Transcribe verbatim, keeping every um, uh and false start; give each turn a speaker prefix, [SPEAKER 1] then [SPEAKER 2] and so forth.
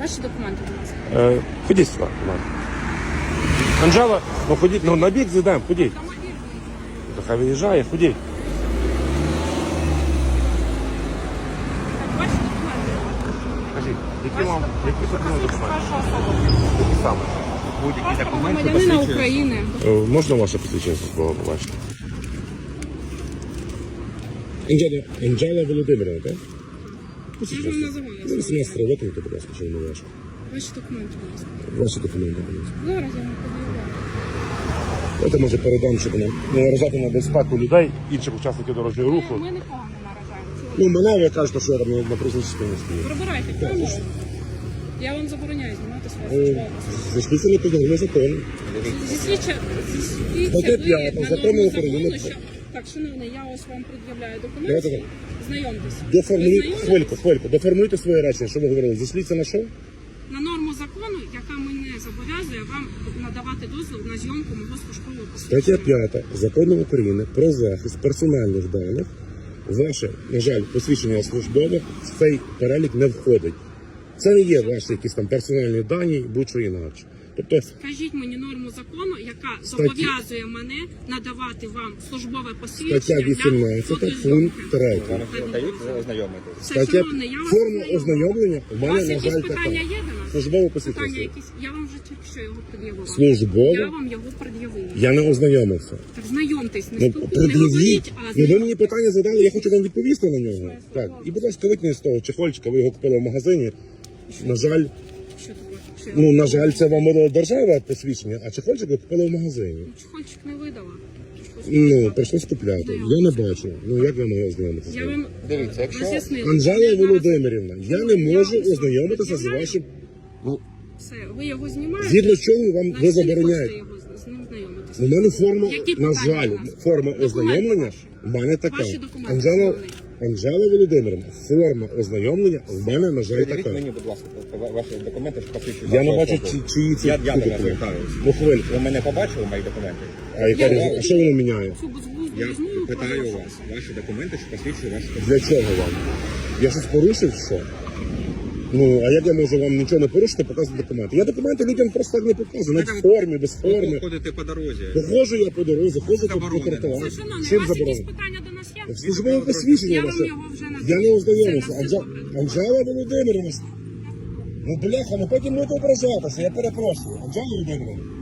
[SPEAKER 1] Ваші документи, будь ласка.
[SPEAKER 2] Е, ходіть сюди, будь ласка. Анжела, ну ходіть, ну на бік зійдемо, ходіть. То хай виїжджає, ходіть.
[SPEAKER 1] Так, ваші документи.
[SPEAKER 2] Кажіть, які вам, які тут
[SPEAKER 1] Показують
[SPEAKER 2] документи?
[SPEAKER 1] вашу особу.
[SPEAKER 2] Які саме?
[SPEAKER 3] Будь-які
[SPEAKER 1] Паспорт
[SPEAKER 3] документи
[SPEAKER 1] громадянина
[SPEAKER 3] посвідчують.
[SPEAKER 1] України.
[SPEAKER 2] Е, можна ваше посвідчення службове побачити? Анжела, Анжела Володимирівна, так?
[SPEAKER 1] Я ж вам називаю.
[SPEAKER 2] Ну, вісімнадцять років, то, будь ласка, що не важко.
[SPEAKER 1] Ваші документи, будь ласка.
[SPEAKER 2] Ваші документи, будь ласка.
[SPEAKER 1] Зараз я вам подивляю.
[SPEAKER 2] Давайте, може, передам, щоб не наражати на безпеку людей, інших учасників дорожнього руху.
[SPEAKER 1] Ми нікого не наражаємо.
[SPEAKER 2] Ну, мене ви кажете, що я там на проїзній частині стою.
[SPEAKER 1] Прибирайте камеру. Я вам забороняю знімати своє службове.
[SPEAKER 2] Зайшлися не підготовлено закону.
[SPEAKER 1] Зіслідча,
[SPEAKER 2] Стаття
[SPEAKER 1] ви
[SPEAKER 2] п'ята
[SPEAKER 1] на
[SPEAKER 2] Закону
[SPEAKER 1] норму
[SPEAKER 2] України
[SPEAKER 1] закону, що... Так, шановний, я ось вам пред'являю
[SPEAKER 2] Давайте
[SPEAKER 1] документи. Знайомтесь.
[SPEAKER 2] Доформулюйте,
[SPEAKER 1] Ви знайомі?
[SPEAKER 2] хвильку, хвильку, доформулюйте своє речення, що ви говорили. Зійшліться на що?
[SPEAKER 1] На норму закону, яка мене зобов'язує вам надавати дозвіл на зйомку мого службового
[SPEAKER 2] Стаття
[SPEAKER 1] посвідчення.
[SPEAKER 2] п'ята Закону України про захист персональних даних. Ваше, на жаль, посвідчення службове в цей перелік не входить. Це не є ваші якісь там персональні дані, будь-що інакше. Тобто,
[SPEAKER 1] Скажіть мені норму закону, яка
[SPEAKER 2] Статті-
[SPEAKER 1] зобов'язує мене надавати вам службове
[SPEAKER 2] стаття
[SPEAKER 1] посвідчення для
[SPEAKER 2] вісімнадцята,
[SPEAKER 1] фотозйомки.
[SPEAKER 2] пункт третій.
[SPEAKER 3] Зараз дають ознайомитись.
[SPEAKER 1] Все,
[SPEAKER 2] Стаття
[SPEAKER 1] шановний, я вас
[SPEAKER 2] форма
[SPEAKER 1] ознайомлю.
[SPEAKER 2] ознайомлення у
[SPEAKER 1] У
[SPEAKER 2] мене,
[SPEAKER 1] вас
[SPEAKER 2] на
[SPEAKER 1] якісь
[SPEAKER 2] жаль,
[SPEAKER 1] питання
[SPEAKER 2] така.
[SPEAKER 1] є до нас?
[SPEAKER 2] Службове
[SPEAKER 1] Питання
[SPEAKER 2] посвідчення.
[SPEAKER 1] якісь? Я вам вже тільки що його пред'явила.
[SPEAKER 2] Службове?
[SPEAKER 1] Я вам його пред'явила.
[SPEAKER 2] Я не ознайомився.
[SPEAKER 1] Так знайомтесь, не
[SPEAKER 2] Ну,
[SPEAKER 1] спілкуйтесь, не
[SPEAKER 2] пред'явіть.
[SPEAKER 1] говоріть, а
[SPEAKER 2] Ну, ви мені питання задали, я хочу вам відповісти на нього.
[SPEAKER 1] Своє
[SPEAKER 2] Так.
[SPEAKER 1] слово.
[SPEAKER 2] І, будь ласка, викніть з того чехольчика, ви його купили в магазині. На жаль,
[SPEAKER 1] Що таке? Що я
[SPEAKER 2] ну, на жаль, це вам видала держава посвідчення, а чехольчик ви купили в магазині.
[SPEAKER 1] Чехольчик не видала.
[SPEAKER 2] Ну, прийшлось купляти. Я не бачу. Ну, як ви могли ознайомитися?
[SPEAKER 1] Я вам
[SPEAKER 3] Дивіться, якщо-
[SPEAKER 1] роз'яснила.
[SPEAKER 2] Анжела
[SPEAKER 1] Я зараз-
[SPEAKER 2] Володимирівна, я не
[SPEAKER 1] Я
[SPEAKER 2] можу
[SPEAKER 1] вам
[SPEAKER 2] ознайомитися з
[SPEAKER 1] пред'являю.
[SPEAKER 2] вашим... Ну,
[SPEAKER 1] Все, ви його знімаєте?
[SPEAKER 2] згідно чого вам
[SPEAKER 1] На
[SPEAKER 2] ви
[SPEAKER 1] всі
[SPEAKER 2] забороняєте?
[SPEAKER 1] хочете його з- з ним знайомитися.
[SPEAKER 2] У мене форма,
[SPEAKER 1] Які
[SPEAKER 2] на
[SPEAKER 1] питання
[SPEAKER 2] жаль,
[SPEAKER 1] у нас?
[SPEAKER 2] форма
[SPEAKER 1] Документи
[SPEAKER 2] ознайомлення
[SPEAKER 1] ваші.
[SPEAKER 2] в мене така.
[SPEAKER 1] Ваші документи
[SPEAKER 2] Анжела,
[SPEAKER 1] основні.
[SPEAKER 2] Анжела Володимирівна, форма ознайомлення в мене, на жаль,
[SPEAKER 3] Придивіть
[SPEAKER 2] така.
[SPEAKER 3] мені, будь ласка, ваші документи, що посвідчують.
[SPEAKER 2] Я не
[SPEAKER 3] вашу
[SPEAKER 2] бачу,
[SPEAKER 3] особу.
[SPEAKER 2] чи, чиї це
[SPEAKER 3] Я, я до вас
[SPEAKER 2] документи.
[SPEAKER 3] звертаюся.
[SPEAKER 2] Ну, хвильку.
[SPEAKER 3] Ви мене побачили, мої документи?
[SPEAKER 2] А яка різниця? А що воно міняє?
[SPEAKER 1] Цю безглузду
[SPEAKER 3] Я
[SPEAKER 1] розмову
[SPEAKER 3] питаю
[SPEAKER 1] продовжуйте.
[SPEAKER 3] вас, ваші документи, що посвідчують вашу особу.
[SPEAKER 2] Для чого вам? Я щось порушив, що? Ну, а як я можу вам нічого не порушити, показувати документи? Я документи людям просто так не показую, навіть в формі, без
[SPEAKER 3] Ви
[SPEAKER 2] форми.
[SPEAKER 3] ходите по дорозі.
[SPEAKER 2] Походжу я по дорозі, ходжу по, по
[SPEAKER 3] Заборонено.
[SPEAKER 2] тротуару.
[SPEAKER 1] Це, шановний,
[SPEAKER 2] Чим
[SPEAKER 1] у вас якісь
[SPEAKER 2] заборонено?
[SPEAKER 1] питання до нас є?
[SPEAKER 2] Службове посвідчення
[SPEAKER 1] Я вам
[SPEAKER 2] ваше.
[SPEAKER 1] його вже надаю.
[SPEAKER 2] Я не ознайомився.
[SPEAKER 1] Це на
[SPEAKER 2] Анжа...
[SPEAKER 1] все
[SPEAKER 2] Анжела Володимирівна. Ну, бляха, ну потім будете ображатися, я перепрошую. Анжела Володимирівна.